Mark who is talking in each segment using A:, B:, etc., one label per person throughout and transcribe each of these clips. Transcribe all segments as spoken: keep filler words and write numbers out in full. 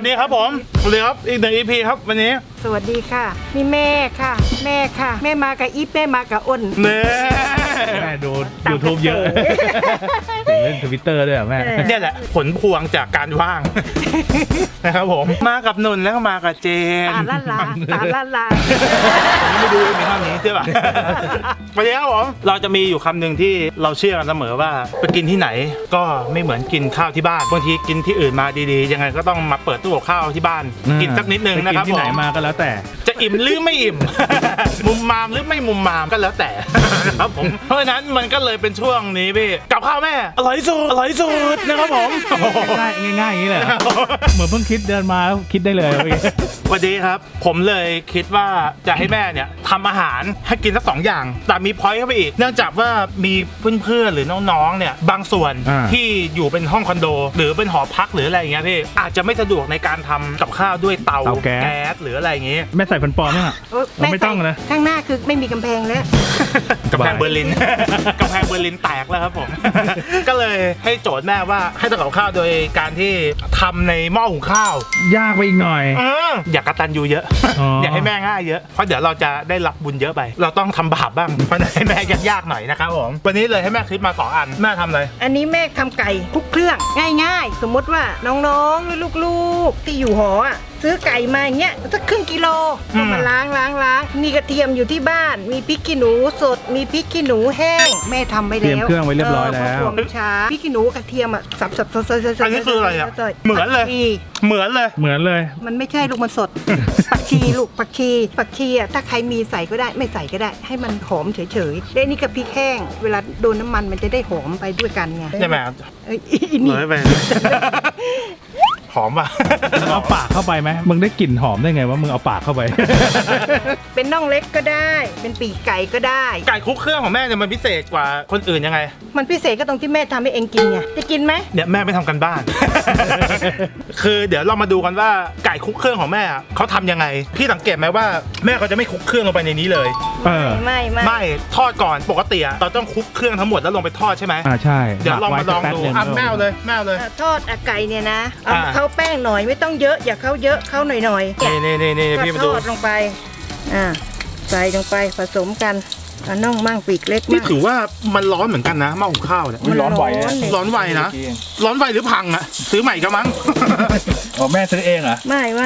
A: วัสดีครับผมสวัสดีครับอีกหนึ่ง อี พี ครับวันนี้
B: สวัสดีค่ะนี่แม่ค่ะแม่ค่ะแม่มากับอีฟแม่มากับอ้น
A: เน่
C: แม่ดูยูทูบเยอะเล่นทวิตเตอร์ด้วยอ่ะแม่
A: เนี่ยแหละผลพวงจากการว่างนะครับผมมากับนนท์แล้วก็มากับเจน
B: ตาละลาตาละลา
A: ไม่ดูมีท่านี้ใช่ป่ะวันนี้ครับผมเราจะมีอยู่คำหนึ่งที่เราเชื่อกันเสมอว่าไปกินที่ไหนก็ไม่เหมือนกินข้าวที่บ้านบางทีกินที่อื่นมาดีๆยังไงก็ต้องมาเปิดตู้กับข้าวที่บ้านกินสักนิดนึงนะครับ
C: ที่ไหนมาก็แล้วแต่
A: จะอิ่มหรือไม่อิ่ม มุมมามหรือไม่มุมมามก็แล้วแต่ครับผมเพราะฉะนั้นมันก็เลยเป็นช่วงนี้พี่กับข้าวแม่อร่อยสุดอร่อยสุดนะครับผม
C: ง่ายง่ายอย่างนี้เลยเหมือนเพิ่งคิดเดินมาแล้วคิดได้เลย
A: วันนี้ครับผมเลยคิดว่าจะให้แม่เนี่ยทำอาหารให้กินสักสองอย่างแต่มีพอยต์เข้าไปอีกเนื่องจากว่ามีเพื่อนๆหรือน้องๆเนี่ยบางส่วนที่อยู่เป็นห้องคอนโดหรือเป็นหอพักหรืออะไรอย่างเงี้ยพี่อาจจะไม่สะดวกในการทำกับข้าวด้วยเตาแก๊สหรืออะไรอย่างเงี้ย
C: แม่ใส่ฟันปลอมเนี่ยไม่ต้องนะ
B: ข้างหน้าคือไม่มีกำแพงแล้ว
A: กำแพงเบอร์ลินกำแพงเบอร์ลินแตกแล้วครับผมก็เลยให้โจทย์แม่ว่าให้ทำกับข้าวโดยการที่ทำในหม้อหุงข้าวย
C: ากไปอีกหน่อย
A: อยากกระตันยูเยอะอยากให้แม่ง่ายเยอะเพราะเดี๋ยวเราจะได้รับบุญเยอะไปเราต้องทำบาปบ้างเพราะให้แม่ยากๆหน่อยนะครับผมวันนี้เลยให้แม่คิดมาสองอันแม่ทำอะไร
B: อันนี้แม่ทำไก่คลุกเครื่องง่ายๆสมมติว่าน้องๆหรือลูกๆที่อยู่หออ่ะซื้อไก่มาอย่างเงี้ยสักครึ่งกิโลก็มาล้างล้างล้างมีกระเทียมอยู่ที่บ้านมีพริกขี้หนูสดมีพริกขี้หนูแห้งแม่ทำไปแล้วเตรี
C: ยมเครื่องไว้เรียบร้อยแล้ว
B: ช้าพริกขี้หนูกระเทียมอ่ะสับสับสับสับสับ
A: อันนี้คืออะไรอ่ะเหมือนเลยเหมือนเลย
C: เหมือนเลย
B: มันไม่ใช่ลูกมันสดผักชีลูกผักชีผักชีอ่ะถ้าใครมีใส่ก็ได้ไม่ใส่ก็ได้ให้มันหอมเฉยๆได้นี่กับพริกแห้งเวลาโดนน้ำมันมันจะได้หอมไปด้วยกันไง
A: ใช่ไหม
B: เอ้ยนี่
A: ไปหอมป่ะ
C: เอาปากเข้าไปไหมมึงได้กลิ่นหอมได้ไงว่ามึงเอาปากเข้าไป
B: เป็นน่องเล็กก็ได้เป็นปีกไก่ก็ได้
A: ไก่คลุกเครื่องของแม่เนี่ยมันพิเศษกว่าคนอื่นยังไง
B: มันพิเศษก็ตรงที่แม่ทำให้เองกินไงจะกินไหม
A: เนี่ยแม่ไม่ทำกันบ้าน คือเดี๋ยวเรามาดูกันว่าไก่คลุกเครื่องของแม่เขาทำยังไงพี่สังเกตไหมว่าแม่เขาจะไม่คลุกเครื่องลงไปในนี้เลย
B: ไม่ไม่
A: ไม่ทอดก่อนปกติเราต้องคลุกเครื่องทั้งหมดแล้วลงไปทอดใช่ไหม
C: อ่าใช่
A: เดี๋ยวลองมาลองดูอ่ะแม่เลยแม่เลย
B: ทอดไก่เนี่ยนะเอาเข้าแป้งหน่อยไม่ต้องเยอะอย่าเข้าเยอะเข้าหน่อยหน่อย
A: นี่นี่นี่นี่พี่มาดู
B: ทอดลงไปอ่าใส่ลงไปผสมกันเอาน่องมั่งปีกเล็ก
A: นี่ถือว่ามันร้อนเหมือนกันนะหม้อหุงข้าวเนี่ย
C: มันร้อนไว
A: ร้อนไวนะร้อนไวหรือพังอ่ะซื้อใหม่ก็มั้ง
C: อ๋อแม่ซื้อเองเหรอ
B: ไม่ไม่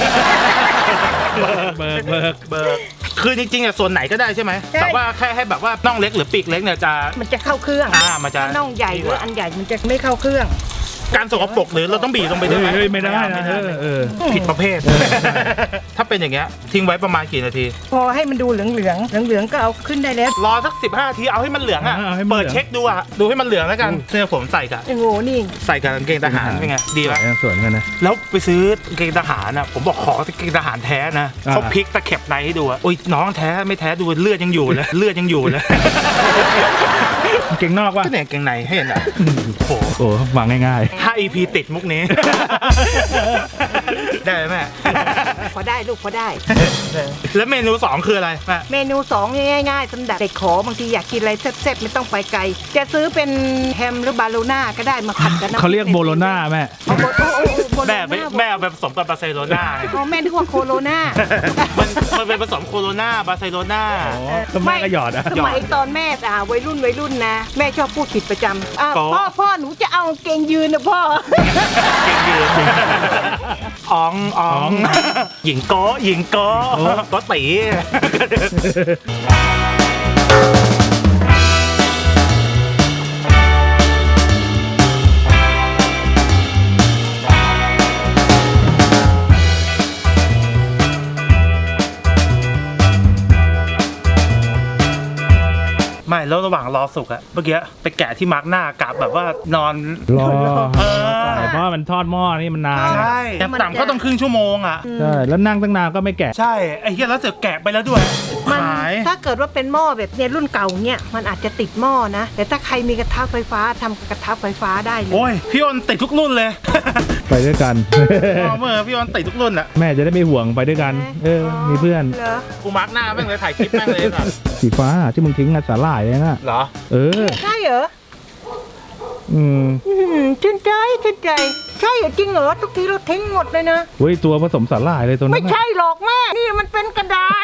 C: เบิกเบิก
A: เบิกคือจริงๆอ่ะส่วนไหนก็ได้ใช่ไหมแต่ว่าแค่ให้แบบว่าน่องเล็กหรือปีกเล็กเนี่ยจะ
B: มันจะเข้าเครื่อง
A: อ่ามันจะ
B: น่องใหญ่หรืออันใหญ่มันจะไม่เข้าเครื่อง
A: การสกปรกหรือเราต้องบีบลงไปด้วยไหม
C: ไม่ได้นะ
A: ผิดประเภทถ้าเป็นอย่างเงี้ยทิ้งไว้ประมาณกี่นาที
B: พอให้มันดูเหลืองเหลืองเหลืองเหลืองก็เอาขึ้นได้แล้ว
A: รอสักสิบห้านาทีเอาให้มันเหลืองอ่ะเปิดเช็คดูอ่ะดูให้มันเหลืองแล้วกันเสื้อผมใส่กับ
B: โอ้โหนี่
A: ใส่กับกางเกงทหารเป็นไงดีไหม
C: สวยกันนะ
A: แล้วไปซื้อกางเกงทหารอ่ะผมบอกขอกางเกงทหารแท้นะเขาพลิกตะเข็บในให้ดูอ่ะโอ้ยน้องแท้ไม่แท้ดูเลือดยังอยู่เลยเลือดยังอยู่เลย
C: เก่งนอกว่ะ
A: ก็เนี่ยเก่งในให้เห็นอ่ะ
C: โอ้โหวางง่าย
A: ๆห้า อี พี ติดมุกนี้ได้ไหมแม่
B: พอได้ลูกพอได้
A: แล้วเมนูสองคืออะไรแม่
B: เมนูสองง่ายๆสำหรับเด็กขอบางทีอยากกินอะไรแซ่บๆไม่ต้องไปไกลจะซื้อเป็นแฮมหรือบาโลน่าก็ได้มาผัดกัน
C: เขาเรียกโบโลน่าแม่
A: แม่แม่เอาแบบผสมกับบาร์เซโลนา
B: อ๋อแม่นึกว่าโคโรนา
A: มันมันเป็นผสมโคโรนาบาร์เซโลนา
C: ก็แม่ก็หยอดอะ
B: สมัยตอนแม่อ่าวัยรุ่นวัยรุ่นนะแม่ชอบพูดผิดประจำพ่อพ่อหนูจะเอาเกงยืนนะพ่อ
A: เกงยืนอ๋องอ๋องหญิงโก้หญิงโก้โก้ตีไม่แล้วระหว่างรอสุกอะเมื่อกี้ไปแกะที่มาร์กหน้ากะแบบว่านอน
C: รอเพราะมันทอดหม้อนี่มันนาน
A: ใช่ต่ำก็ต้องครึ่งชั่วโมงอะ
C: ใช่แล้วนั่งตั้งนานก็ไม่แกะ
A: ใช่ไอ้เหี้ยแล้วเสือแกะไปแล้วด้วย
B: มันถ้าเกิดว่าเป็นหม้อแบบเนี่ยรุ่นเก่าเนี่ยมันอาจจะติดหม้อนะแต่ถ้าใครมีกระทะไฟฟ้าทำกระทะไฟฟ้าได้เลย
A: โอ้ยพี่อ้นติดทุกรุ่นเลย
C: ไปด้วยกัน
A: เมื่อพี่อ้นติดทุกรุ่นอะ
C: แม่จะได้ไม่ห่วงไปด้วยกันเออมีเพื่อน
A: กูมาร์กหน้าแม่งเลยถ่ายคลิปแม่งเลยค่ะ
C: สีฟ้าที่มึงทิ้งอะสาหร่ายเลยนะ
A: เหรอ
C: เออ
B: ใช่เหรอ
C: อืม
B: ชื่นใจชื่นใจใช่จริงเหรอทุกทีเราทิ้งหมดเลยนะ
C: เฮ้ยตัวผสมสาหร่ายเลยตัวนั้
B: ไม่
C: นน่ะ
B: ใช่หรอกแม่นี่มันเป็นกระดาษ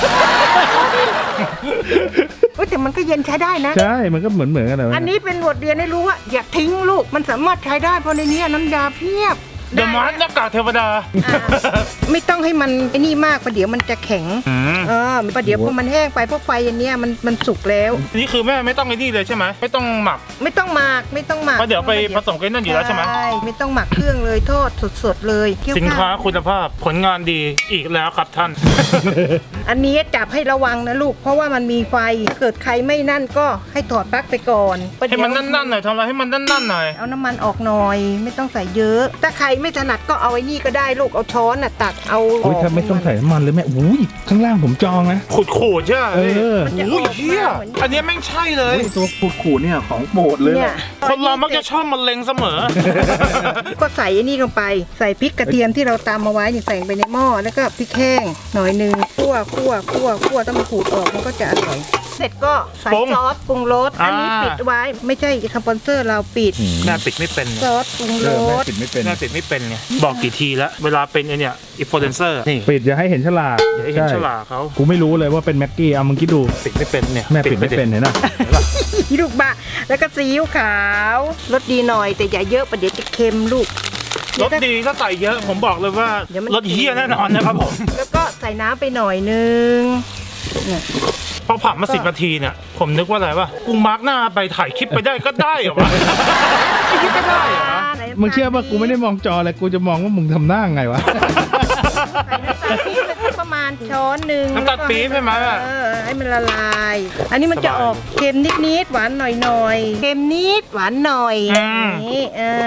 B: เฮ้ยแต่มันก็เย็นใช้ได้นะ
C: ใช่มันก็เหมือนเหมือนกันเลย
B: อันนี้เป็นบทเรียนให้รู้ว่าอย่าทิ้งลูกมันสามารถใช้ได้เพราะในนี้น้ำยาเพียบ
A: เดอะมาร์ทหน้ากากเทวดา
B: อ่าไม่ต้องให้มันไอ้นี่มากประเดี๋ยวมันจะแข็ง
A: อืม
B: เออประเดี๋ยวพอมันแห้งไปเพราะไฟอันเนี้ยมันมันสุกแล้ว
A: นี่คือแม่ไม่ต้องไอ้นี่เลยใช่ไหมไม่ต้องหมัก
B: ไม่ต้องหมักไม่ต้องหมัก
A: เพราะเดี๋ยวไปผสมกันนั่นอยู่แล้วใช่ไหม
B: ไม่ต้องหมักเครื่องเลยทอดสดๆเลยเคี่ยว
A: สินค้า
B: ข้าว
A: คุณภาพผลงานดีอีกแล้วครับท่าน
B: อันนี้จับให้ระวังนะลูกเพราะว่ามันมีไฟถ้าเกิดใครไม่นั่นก็ให้ถอดปลั๊กไปก่อนประ
A: ให้
B: เดี๋ยว
A: มันนั่นๆหน่อยทำอะไรให้มันนั่นๆหน่อย
B: เอาน้ำมันออกหน่อย ไม่ต้องใส่เยอะ ถ้าใครไม่ถนัดก็เอาไอ้นี่ก็ได้ลูกเอาช้อนน่ะตักเอา
C: โอ้ยถ้าไม่ต้องใส่น้ำมันเลยแม่อุ้ยข้างล่างผมจองนะ
A: ขูดขูดๆใช่ไหม
C: เออ
B: มันจะอ
A: โอ้ย
B: อก
A: เฮีย
B: มาเหมือน
A: อันเนี้ยแม่งใช่เลย
C: ตัวขูดขูดเนี่ยของโปรดเลย
B: เนี่ย
A: คนเรามักจะชอบมะเร็งเสมอ
B: ก็ใส่ไอ้นี่ลงไปใส่พริกกระเทียมที่เราตำเอาไว้นี่ใส่ลงไปในหม้อแล้วก็พริกแห้งหน่อยหนึงคั่วคั่วคั่วคั่วต้องมาขูดออกมันก็จะอร่อยเสร็จก็ใส่
A: ปรุง
B: ซอสปรุงรสอันนี้
A: อ่า
B: ปิดไว้ไม่ใช่สปอนเซอร์เราปิด
A: แม่ปิดไม่เป็น
B: ซอสปรุงร
C: เออแม่
B: ส
C: ปิดไม่เป็น
A: แม่ปิดไม่เป็นไงบอกกี่ทีแล้วเวลาเป็นไอเนี่ยอินฟลูเอนเซอร์นี่
C: ปิดอย่าให้เห็นฉลาก
A: อย่าให้เห็นฉลากเขา
C: กูไม่รู้เลยว่าเป็นแม็กกี้เอามึงคิดดู
A: ปิดไม่เป็นเนี่ย
C: แม่ปิดไม่เป็นเห็นไหม
B: ลูกบะแล้วก็ซีอิ๊วขาวรสดีหน่อยแต่อย่าเยอะประเดี๋ยวจะเค็มลูก
A: รสดีถ้าใส่เยอะผมบอกเลยว่า
B: เดี๋ยวมัน
A: รสเฮี้ยแน่นอนนะครับผม
B: แล้วก็ใส่น้ำไปหน่อยนึงเนี่ย
A: พอผัดมาสิบนาทีเนี่ยผมนึกว่าอะไรวะกูมาร์กหน้าไปถ่ายคลิปไปได้ก็ได้เหรอวะไม่คิดก็ได้เหรอวะ
C: มึงเชื่อป่ะกูไม่ได้มองจอเลยกูจะมองว่ามึงทำหน้าไงวะ
B: ใส่น้ำตาลปี๊บไปสักประมาณช้อนหนึ่ง
A: น้ำตาลปี๊บใช่ไหมอะ
B: เออให้มันละลาย อันนี้มันจะออกเค็มนิดๆหวานหน่อยๆเค็มนิดหวานหน่อยนี่เออ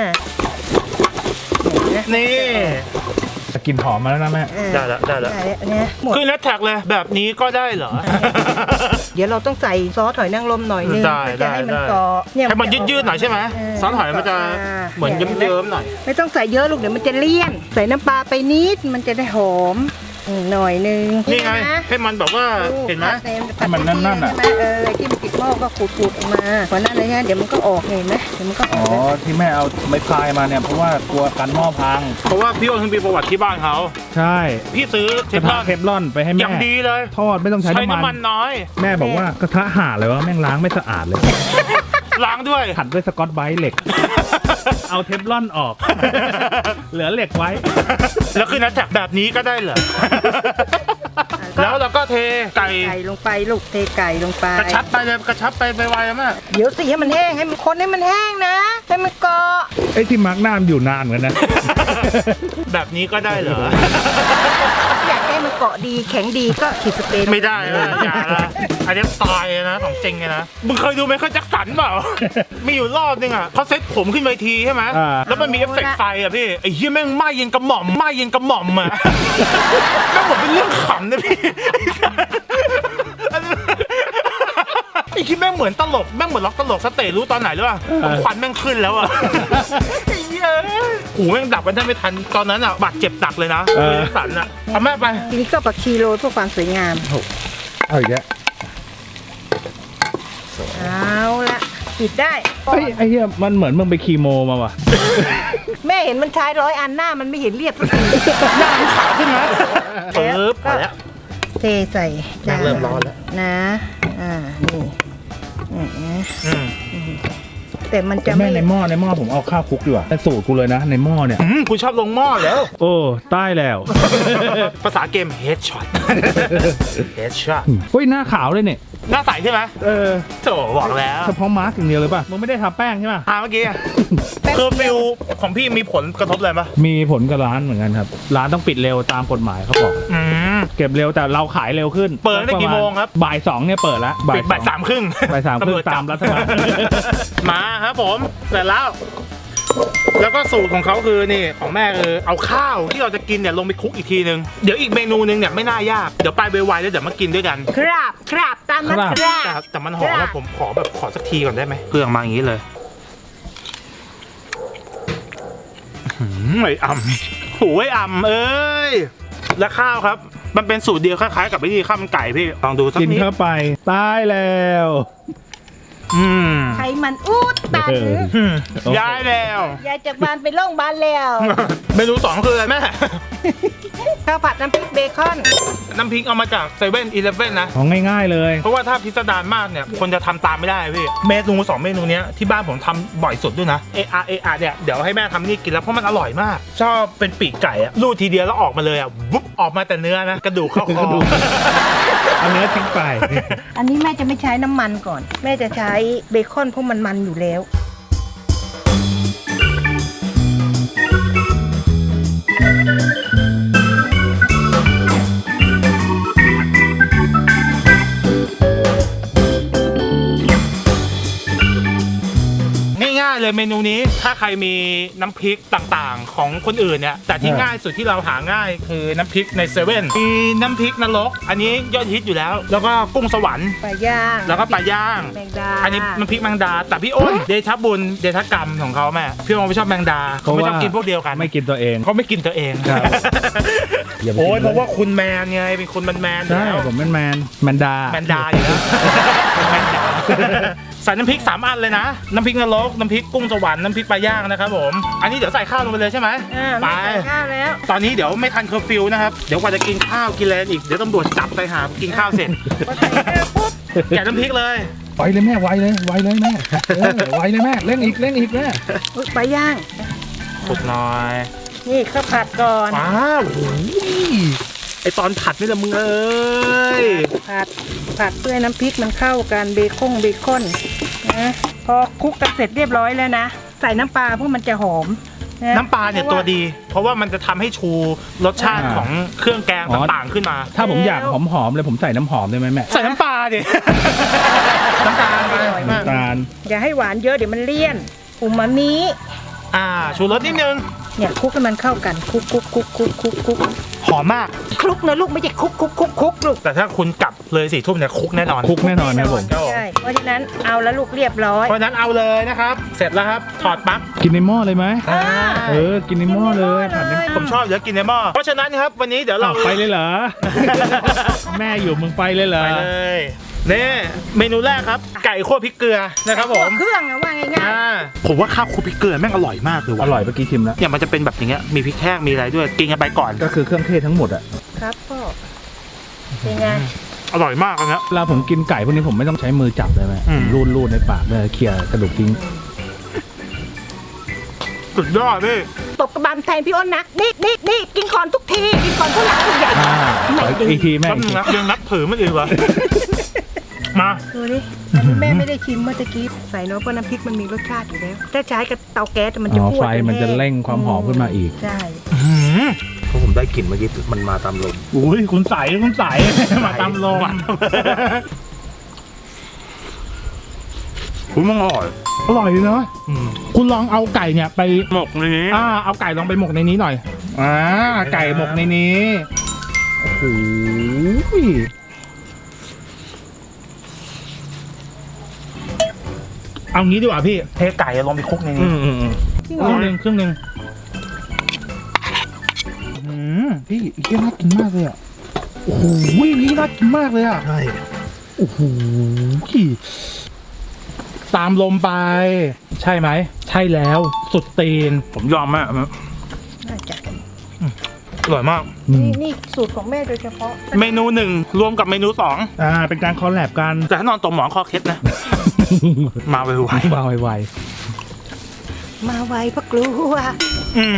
A: นี่
C: กลิ่นหอมมาแล้วนะแม่
B: เออ
A: ได้แล้วได้แล้ว
B: ได้แล้วเนี่ยหมด
A: คือแฮชแท็กเลยแบบนี้ก็ได้เหรอ
B: เดี๋ยวเราต้องใส่ซอสหอยนางรมหน่อยนึง
A: ได้
B: เพื่อจะให้มัน
A: ได้
B: เกาะเย
A: ให้มันยืดๆหน่อยใช่ไหม
B: เออ
A: ซอสหอยมันจะเหมือนเยิ้มๆหน่อย
B: ไม่ต้องใส่เยอะลูกเดี๋ยวมันจะเลี่ยน ใส่น้ำปลาไปนิดมันจะได้หอมอืมหน่อยนึง
A: นี่ไง
B: ะ
A: ให้มันแบบว่าเห็นไหม
C: ให้มันนั่นๆอะ
B: ใช่ไหมเออที่มันติดหม้อก็ขูดๆออกมาพอนั่นเลยฮะเดี๋ยวมันก็ออกเห็นไหมเดี๋ยวมันก็อ
C: อ๋
B: อ
C: อก ที่แม่เอาไม้พายมาเนี่ยเพราะว่ากลัวกันหม้อพัง
A: เพราะว่าพี่โอ้นมีประวัติที่บ้านเขา
C: ใช่
A: พี่ซื้อเท
C: กระ
A: ฟล
C: ทะ
A: อน
C: เทฟลอนไปให้
A: อ
C: แม่
A: ย่างดีเลย
C: ทอดไม่ต้องใช้
A: ใช้
C: น้ำ
A: น้ำ
C: มั
A: มัน นน้อย
C: แม่บอกว่ากระทะห่าเลยวะแม่งล้างไม่สะอาดเลย
A: ล้างด้วย
C: ขัดด้วยสกอตไบรท์เหล็ก เอาเทฟลอนออก เหลือเหล็กไว้
A: แล้วคือนัดแท็กแบบนี้ก็ได้เหรอ แล้วเราก็เทไก่
B: ไก่ลงไปลูกเทไก่ลงไป
A: กระชับไปเลยกระชับไปไวๆนะแม่
B: เดี๋ยวสิให้มันแห้งให้มันคนให้มันแห้งนะให้มันเกาะ
C: ไอ้ที่มาร์กหน้ามนอยู่นานเหมือนกันนะ
A: แบบนี้ก็ได้เหรอ
B: อยากให้มันเกาะดีแข็งดีก็ฉีดสเปรย์
A: ไม่ได้นะอย่านะอันนี้ตายเลยนะของจริงเลยนะ มึงเคยดูไมเคิลแจ็คสันเปล่า มีอยู่รอบนึงอ่ะเขาเซ็ตผมขึ้นเวทีใช่ไหม
C: อ่า
A: แล้วมันมีเอฟเฟกต์ไฟอ่ะพี่ ไอ้เหี้ยแม่งไหม้เย็นกระหม่อมไหม้เย็นกระหม่อมอ่ะ แม่งเหมือนเป็นเรื่องขำนะพี่ ไอ้ที่แม่งเหมือนตลกแม่งเหมือนล็อกตลกสเตจรู้ตอนไหนหรือเปล่าควันแม่งขึ้นแล้วอ่ะ ไอ้เหี้ยหูแม่งดับกันได้ไม่ทันตอนนั้นอ่ะบาดเจ็บหนักเลยนะเออสันอ่ะเอาแม่ไป
B: ทีนี้ก็ผักชีโรยเพื่อความสวยงาม
C: เอาอีกแล้ว
B: เอาละปิดได้
C: เฮ้ยไอ้เหี้ยมันเหมือนมึงไปคีโมมาว่ะ
B: แม่เห็นมันใช้ร้อยอันหน้ามันไม่เห็นเรียบสักที
A: หน้ามันขาวขึ้นนะปึ๊บมาแล้ว
B: เทใส่
A: แม่งเริ่มร้อนแล้ว
B: นะ อ่า นี่อืมนะ
A: อืม
B: แต่มันจะ
C: แม่
B: ไม่
C: ในหม้อในหม้อผมเอาข้าวคลุกดีกว่าแต่สูตรกูเลยนะในหม้อเนี่ย
A: อืมกูชอบลงหม้อแล้ว
C: โอ้ใต้แล้ว
A: ภาษาเกม headshot headshot
C: เฮ้ยหน้าขาวเลยเนี่ย
A: หน้าใสใช่ไหม
C: เออ
A: โถบอกแล้ว
C: เฉพาะมาร์กอย่างเดียวเลยป่ะมึงไม่ได้ทาแป้งใช่ป่ะ
A: อ่าเมื่อกี้อะคือฟิลของพี่มีผลกระทบอะไรปะ
C: มีผลกับร้านเหมือนกันครับ ร้านต้องปิดเร็วตามกฎหมายเขาบอก
A: อืม
C: เก็บเร็วแต่เราขายเร็วขึ้น
A: เปิดตั้งแต่กี่โมงครับ
C: บ่ายสองเนี่ยเปิดแล้ว
A: ปิดบ่ายสามครึ่ง
C: บ่ายสามครึ่ง
A: ตำวจจับ
C: ตามรัฐบาล
A: มาครับผมเสร็จแล้ว แล้วก็สูตรของเขาคือนี่ของแม่คือเอาข้าวที่เราจะกินเนี่ยลงไปคลุกอีกทีนึงเดี๋ยวอีกเมนูนึงเนี่ยไม่น่ายากเดี๋ยวไปไวๆแล้วเดี๋ยวมากินด้วยกัน
B: ครับครับตามนั้น
C: ครับ
B: ครับ
A: แต่แต่มันหอมแล้วผมขอแบบขอสักทีก่อนได้ไหมเครื่องมาอย่างนี้เลยหืมไอ้อ่ำโอ้ยอ่ำเอ้ยและข้าวครับ มันเป็นสูตรเดียวคล้ายๆกับวิธีข้าวมันไก่พี่ลองดูสัก
C: กิน
A: นิด
C: เข้าไปตายแล้ว
A: ออืม
B: ไขมันอุดตัน
C: เออ
A: อืมย้ายแล้ว
B: ยายจากบ้านไปโรงพยาบาลแล้ว
A: เมนูสองคืออะไรแม่
B: ข้าวผัดน้ำพริกเบคอน
A: น้ำพริกเอามาจากเซเว่นอีเลฟเว่นนะ
C: ของง่ายๆเลย
A: เพราะว่าถ้าพิสดารมากเนี่ยคนจะทำตามไม่ได้พี่เมนูสองเมนูเนี้ยที่บ้านผมทำบ่อยสุดด้วยนะเออาเออาเนี่ยเดี๋ยวให้แม่ทำนี่กินแล้วเพราะมันอร่อยมาก ชอบเป็นปีกไก่อะรูดทีเดียวแล้วออกมาเลยอะวุ๊บออกมาแต่เนื้อนะกระดูกเข้าค
C: ก
A: อ
C: ระดูก เอาเนื้อทิ้งไป
B: อันนี้แม่จะไม่ใช้น้ำมันก่อน แม่จะใช้เบคอนเพราะมันมันอยู่แล้ว
A: ง่ายๆเลยเมนูนี้ถ้าใครมีน้ำพริกต่างๆ ของคนอื่นเนี่ยแต่ที่
C: เออ
A: ง่ายสุดที่เราหาง่ายคือน้ำพริกในเซเว่นมีน้ำพริกนรกอันนี้ยอดฮิตอยู่แล้ว แล้วก็กุ้งสวรรค์
B: ปลาย่าง
A: แล้วก็ปลาย่าง
B: แมงดา
A: อันนี้น้ำพริกแมงดา แต่พี่อ้นเดชะบุญเดชะกรรมของเขาแม่พี่อ้นไม่ชอบแมงดาเขาไม่ชอบกินพวกเดียวกัน
C: ไม่กินตัวเอง
A: เขาไม่กินตัวเอง
C: ครับ อย่าไปกิน
A: โอ้ย
C: เลย
A: เพราะว่าคุณแมนไงเป็นคนแมนๆอยู่
C: ใช่
A: แล้ว
C: ผมเป็นแมนแมนดา
A: แมนดาอยู่แล้วแมนดาใส่น้ำพริกสามอันเลยนะน้ำพริกนรกน้ำพริกกุ้งสวรรค์น้ำพริกปลาย่างนะครับผมอันนี้เดี๋ยวใส่ข้าวลงไปเลยใช่ไหม
B: อ่า
A: ไป
B: แม่ใส่ข้าวแล้ว
A: ตอนนี้เดี๋ยวไม่ทันเคอร์ฟิวนะครับเดี๋ยวกว่าจะกินข้าวกินแลนอีกเดี๋ยวตำรวจจับไปหากินข้าวเสร็จ
B: พอใส่ข้าวปุ๊บ
A: แกะน้ำพริกเลย
C: ไวเลยแม่ไวเลยไวเลยแม่เออไวเลยแม่เร่งอีกเร่งอีกแม่
B: อุ๊ยปลาย่าง
A: สุกหน่อย
B: นี่ข้าวผัดก่อน
A: ว้าวโอ้ยไอตอนผัดนี่แหละมึงเอ้ย
B: ผัดผัดเพื่อให้น้ำพริกมันเข้ากันเบคอนเบคอนนะพอคลุกกันเสร็จเรียบร้อยแล้วนะ ใส่น้ำปลาเพราะมันจะหอมะ
A: น้ำปลาเนี่ยตัวดี เพราะว่ามันจะทำให้ชูรสชาติของเครื่องแกงต่างๆขึ้นมา
C: ถ้าผมอยากหอมๆเลยผมใส่น้ำหอมได้ไหมแม่
A: ใส่น้ำปลาดิ น้ำตาลไป
C: น้ำตาล
B: อย่าให้หวานเยอะเดี๋ยวมันเลี่ยนอูมามิ
A: อ่าชูรสนิดนึง
B: เนี่ยคลุกให้มันเข้ากันคลุกคลุกคลุกคลุกคลุกคลุก
A: หอมมาก
B: คลุกนะลูกไม่ใช่คลุกคลุกคลุกคลุกลูก
A: แต่ถ้าคุณกลับเลยสี่ทุ่มเนี่ยคุกแน่นอน
C: คุกแน่นอนครับผม
A: ครับผม
B: ใช่เพราะฉะนั้นเอาแล้วลูกเรียบร้อย
A: เพราะฉะนั้นเอาเลยนะครับ เสร็จแล้วครับ ถอดปลั๊ก
C: กินในหม้อเลยไหม
B: อ่า
C: เออกินในหม้อเลยผัดใน
A: ผมชอบเดี๋ยวกินในหม้อ เพราะฉะนั้นครับวันนี้เดี๋ยวเรา
C: อ้าวไปเลยเหรอ แม่อยู่มึงไปเลยเหรอ
A: ไปเลยนี่เมนูแรกครับ ไก่คั่วพริกเกลือนะครับผม
B: เครื่องอะว่าง่าย
A: อ่าผมว่าข้าวคั่วพริกเกลือแม่งอร่อยมากเลย
C: อ
A: ว่ะ
C: ร่อยเมื่อกี้ชิมแล้ว
A: เนี่ยมันจะเป็นแบบอย่างเงี้ยมีพริกแห้งมีอะไรด้วยกินกันไปก่อน
C: ก็คือเครื่องเทศทั้งหมดอะ
B: ๆครับพ่อเป็นไง
A: อร่อยมากเลยนะ
C: เวลาผมกินไก่พวกนี้ผมไม่ต้องใช้มือจับเลยไหม
A: อืม
C: รูดรูดในปากเลยเคลียร์กระดูกทิ้ง
A: สุดยอดพี่
B: ตบกระบาลแทนพี่อ้นนะนี่นี่นี่กินก่อนทุกทีกินก่อนทุกหลังทุกใหญ่
C: อ่า
B: ไม่
C: ขอ
B: ดี
C: อีกทีแม่
A: แป๊บนึงนะยังนับถือมันอีกวะ มา
B: ดูดิอันนี้แม่ไม่ได้ชิมเมื่อตะกี้ใส่เนาะเพราะน้ำพริกมันมีรสชาติอยู่แล้วถ้าใช้กับเตาแก๊สมันจะ
C: อ๋อ
B: คั่ว
C: ไฟ
B: จ
C: มันจะ
B: แห้ง
C: เร่งความหอมขึ้นมาอีก
B: ใช่
D: เพราะผมได้กลิ่นเมื่อกี้มันมาตามลม
A: อุ้ยคุณใสคุณใส มาตามลมคุณมันอร่อย
C: อร่อยเนาะ
A: อืม
C: คุณลองเอาไก่เนี่ยไป
A: หมกในนี้
C: อ่าเอาไก่ลองไปหมกในนี้หน่อยอ่าไก่หมกในนี้โอ้โห
A: เอางี้ดีกว่าพี่เทไก่ลงไปคลุกใน
C: อื
A: นี้
C: มอืมอืม
B: จริง
C: ค
B: เหร
C: รึ่
B: อง
C: หนึ่งครึ่งหนึ่งอืมพี่อีกน่ากินมากเลยอ่ะโอ้โหนี่น่ากินมากเลยอ่ะ
D: ใช่
C: โอ้โหตามลมไป ใช่ไหม ใช่แล้วสุดตีน
A: ผมยอมมาก
B: น่าจะ
A: อร่อยมาก
C: อืม
B: นี่นี่สูตรของแม่โดยเฉพาะ
A: เมนูหนึ่งรวมกับเมนูสอง
C: อ่าเป็นการคอลแลบกัน
A: แต่ถ้านอนตรงหมอนคอเคล็ดนะ มาไว
C: วางไว
B: มาไวเพราะกลัว
A: ๆอืม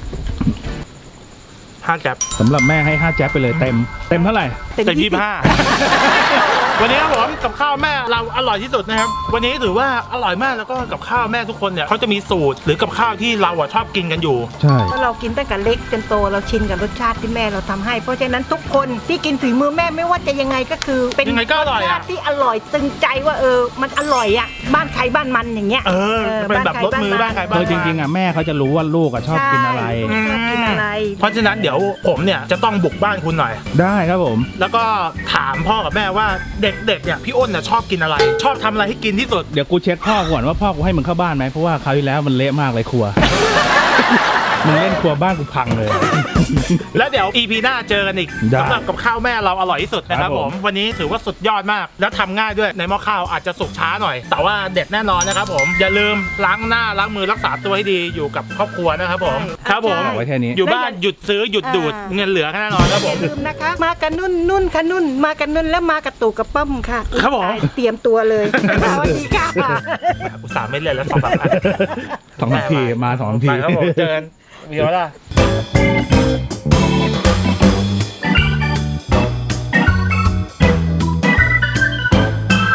A: ห้าแกบ
C: ๆสำหรับแม่ให้ห้าแจ๊บไปเลยเต็ม เต็มเท่าไหร่
A: เต็มยี่สิบห้า วันนี้ครับผมกับข้าวแม่เราอร่อยที่สุดนะครับ วันนี้ถือว่าอร่อยมากแล้วก็กับข้าวแม่ทุกคนเนี่ยเขาจะมีสูตรหรือกับข้าวที่เราอะชอบกินกันอยู่
C: ใช่
B: เพราะเรากินตั้งแต่เล็กจนโตเราชินกับรสชาติที่แม่เราทำให้ เพราะฉะนั้นทุกคนที่กินฝีมือแม่ไม่ว่าจะยังไงก็คือ เป็น
A: ยังไงก็อร่อยอะ
B: สชาติที่อร่อยตึงใจว่าเออมันอร่อยอ่ะบ้านใครบ้านมันอย่างเงี้ย
A: เออเป็นแบบรสมือบ้างใครบ้าง
C: คือจริงๆอ่ะแม่เขาจะรู้ว่าลูกอ่ะชอบกินอะไร
B: ใช่ชอบกินอะไร
A: เพราะฉะนั้นเดี๋ยวผมเนี่ยจะต้องบุกบ้านคุณหน่อย
C: ได้ครับผม
A: แล้วก็ถามพ่อกับแม่ว่าเด็กๆเนี่ยพี่อ้นเนี่ยชอบกินอะไร ชอบทำอะไรให้กินที่สุด
C: เดี๋ยวกูเช็คพ่อก่อนว่าพ่อกูให้มึงเข้าบ้านไหมเพราะว่าคราวที่แล้วมันเละมากเลยครัวมึงเล่นครัวบ้านกูพังเลย
A: แล้วเดี๋ยว อี พี หน้าเจอกันอีก
C: ได้
A: สำหรับกับข้าวแม่เราอร่อยที่สุดนะครับ
C: ครับ
A: ผ
C: ผม ม
A: วันนี้ถือว่าสุดยอดมาก แล้วทำง่ายด้วยในหม้อข้าวอาจจะสุกช้าหน่อย แต่ว่าเด็ดแน่นอนนะครับผมอย่าลืมล้างหน้าล้างมือรักษาตัวให้ดีอยู่กับครอบครัวนะครับผม
B: ใช่
A: ครับผม
B: ใช่
C: เอาไว้แค่นี้
A: อยู่บ้านหยุดซื้อหยุดดูด
B: อ่า
A: เงินเหลือแน่นอนครับผ
B: อย่าม ลืมนะคะ มากันนุ่นนุ่นค่ะนุ่น มากันนุ่นแล้วมากับตู่กับป้อมค่ะ
A: ครับผม
B: เตรียมตัวเลยสวัสดีค่ะ
A: อุตส่าห์ไม่เล่นแล้วสองสามอัน
C: สองนาทีมาสองนาที
A: ไปครับผมเจอกันเดี๋ยวล่ะ